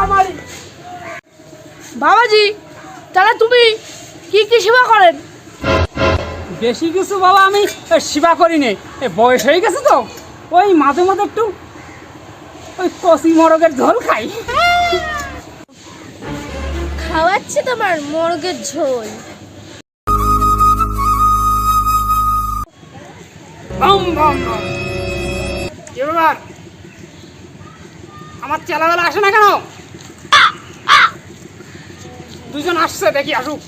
আমারই। বাবাজি, তাহলে তুমি কি কি সেবা করেন? বেশি কিছু বাবা আমি সেবা করি নে, বয়স হয়ে গেছে তো ওই মাঝে মাঝে একটু ওই কচি মরগের ঝোল খাই। খাওয়াচ্ছে তোমার মোরগের ঝোল। বম বম বম। কি ব্যাপার, আমার চেলাবেলা আসে না কেন? দুজন আসছে, দেখি আসুক।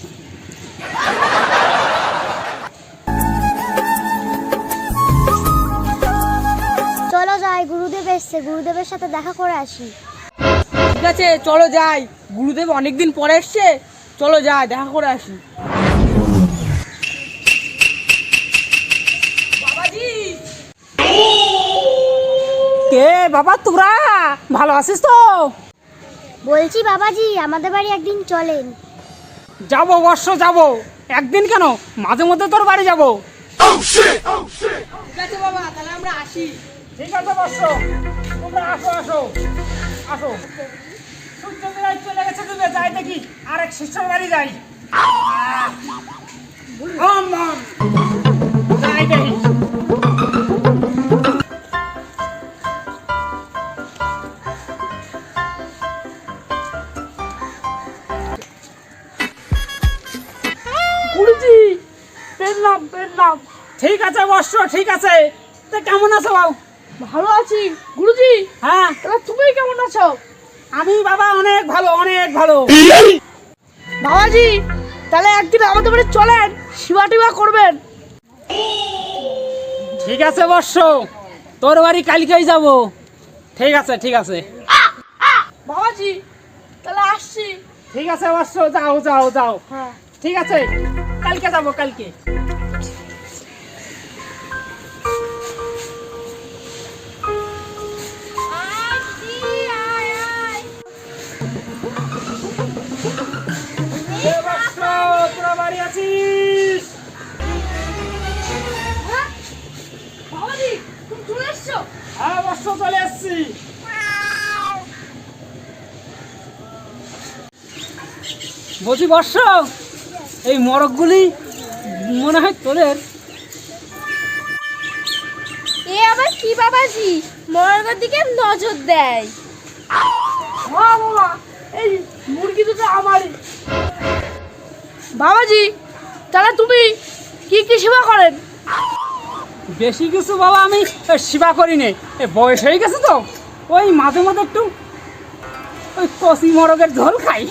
চলো যাই, গুরুদেব এসছে, গুরুদেবের সাথে দেখা করে আসি। ঠিক আছে, চলো যাই। গুরুদেব অনেকদিন পরে এসছে, চলো যাই, দেখা করে আসি। কে বাবা, তোরা ভালো আছিস তো? বলছি বাবাজি, আমাদের বাড়ি একদিন চলেন। যাবো বর্ষ, যাবো। একদিন কেন, মাঝে মধ্যে তোর বাড়ি যাবো। ঠিক আছে বাবা, তাহলে আমরা আসি। ঠিক আছে বর্ষ, তোমরা আসো আসো আসো। সূর্য বিরাট চলে গেছে, ডুবে যাই দেখি আরেক শিষ্যর বাড়ি যাই। বম বম। যাই দেখি। গুরুজি, পেলাম পেলাম। ঠিক আছে বর্ষ, ঠিক আছে। তা কেমন আছো বাবু? ভালো আছি। গুরুজি, হ্যাঁ, তাহলে তুমি কেমন আছো? আমি বাবা অনেক ভালো, অনেক ভালো। বাবাজি, তাহলে একদিন আমাদের বাড়ি চলেন, সেবা টিবা করবেন। ঠিক আছে বর্ষ, তোর বাড়ি কালকেই যাব। ঠিক আছে ঠিক আছে। বাবাজি, তাহলে আসছি। ঠিক আছে বর্ষ, যাও যাও যাও। হ্যাঁ। ঠিক আছে, কালকে যাব, কালকে। এ বর্ষ, তোরা বাড়ি আছিস? হ্যাঁ? বাবাজি, তুমি চলে এসছো? হ্যাঁ বর্ষ, চলে এসছি। বলছি বর্ষ, এই মরগগুলি মনে হয় তোদের। এ আবার কি বাবাজি, মোরগের দিকে নজর দেয়? হ্যাঁ বাবা, এই মুরগি দুটো আমারই। বাবাজি, তাহলে তুমি কি কি সেবা করেন? বেশি কিছু বাবা আমি সেবা করি নে, বয়স হয়ে গেছে তো ওই মাঝে মাঝে একটু ওই কচি মরগের ঝোল খাই।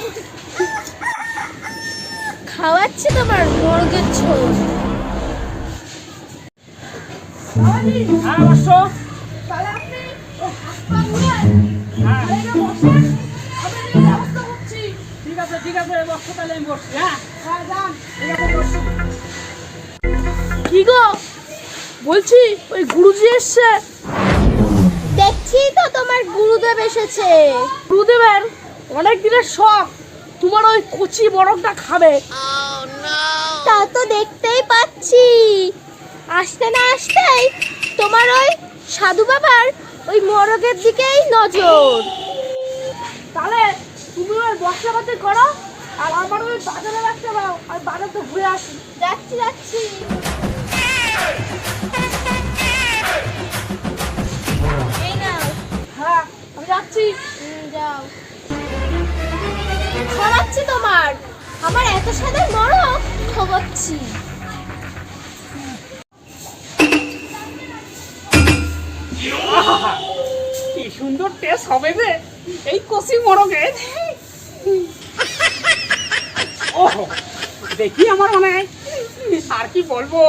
খাওয়াচ্ছে তোমার মোরগের ঝোল। বাবাজি, হ্যাঁ বর্ষ। তাহলে আপনি ওই হাত পা ধুয়ে হ্যাঁ এখানে বসেন, আমি এদিকে ব্যবস্থা করছি। ঠিক আছে ঠিক আছে বর্ষ, তাহলে আমি বসছি। হ্যাঁ হ্যাঁ, যান। ঠিক আছে, বসুন। কি গো, বলছি ওই গুরুজি এসছে। দেখছি তো তোমার গুরুদেব এসেছে। গুরুদেবের অনেক দিনের শখ তোমার ওই কচি বরফটা খাবে। তা তো দেখতেই পাচ্ছি। আসতে না আসতেই তোমার ওই সাধু বাবার ওই মোরগের দিকেই নজর। তাহলে তুমি ওই মশলাপাতি করো, আর আমার ওই বাজারে রাখতে দাও, আমি বাজারটা ঘুরে আসি। যাচ্ছি যাচ্ছি। এই নাও। হ্যাঁ, আমি যাচ্ছি। যাও। ছড়াচ্ছি তোমার, আমার এত সাদা মোরগ খোবাচ্ছি। কি সুন্দর টেস্ট হবে রে এই কচি মরগের। ও দেখি আমার মনে হয় আর কি বলবো।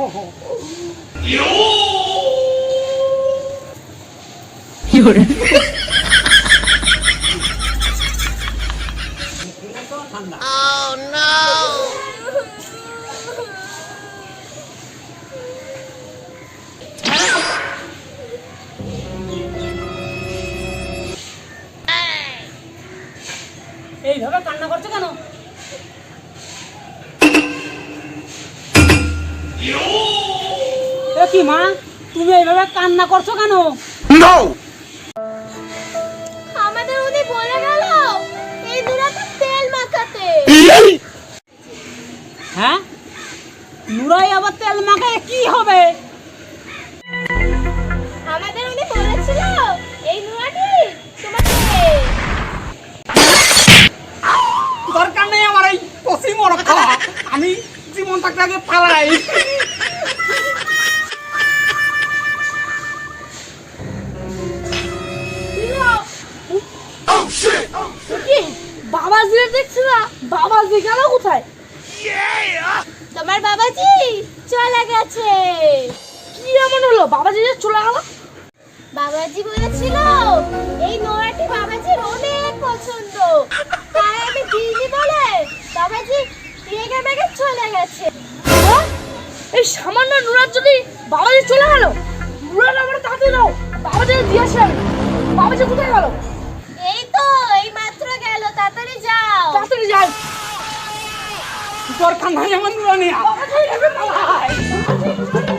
এইভাবে কান্না করছো কেন? এ কি মা, তুমি এইভাবে কান্না করছো কেন? আমাদের উনি বলে গেল আবার তেল মাখায় কি হবে? আমাদের উনি বলেছিল এই নুরাটি তোমাকে। দরকার নেই আমার এই কষি মরক খাওয়া, আমি জীবন থাকতে আগে পালাই। কি বাবাজি দেখছি না, বাবাজি গেল কোথায়? তোমার বাবাজি চলে গেছে। কি এমন হলো বাবাজি যে চলে গেল? বাবাজি বলেছিল এই নোয়াটি বাবাজির অনেক পছন্দ, তাই আমি দিদি বলে বাবাজি রেগে মেগে চলে গেছে। হ্যাঁ? এই সামান্য নুরার যদি বাবাজি চলে গেল, নুরার আমার তাতে দাও, বাবাজি দিয়ে আসি আমি। বাবাজি কোথায় গেল? এই তো এই মাত্র গেল, তাড়াতাড়ি যাও। তাড়াতাড়ি যাই। দরকার নাই আমার নুরানি। বাবাজি রেগে পালাই।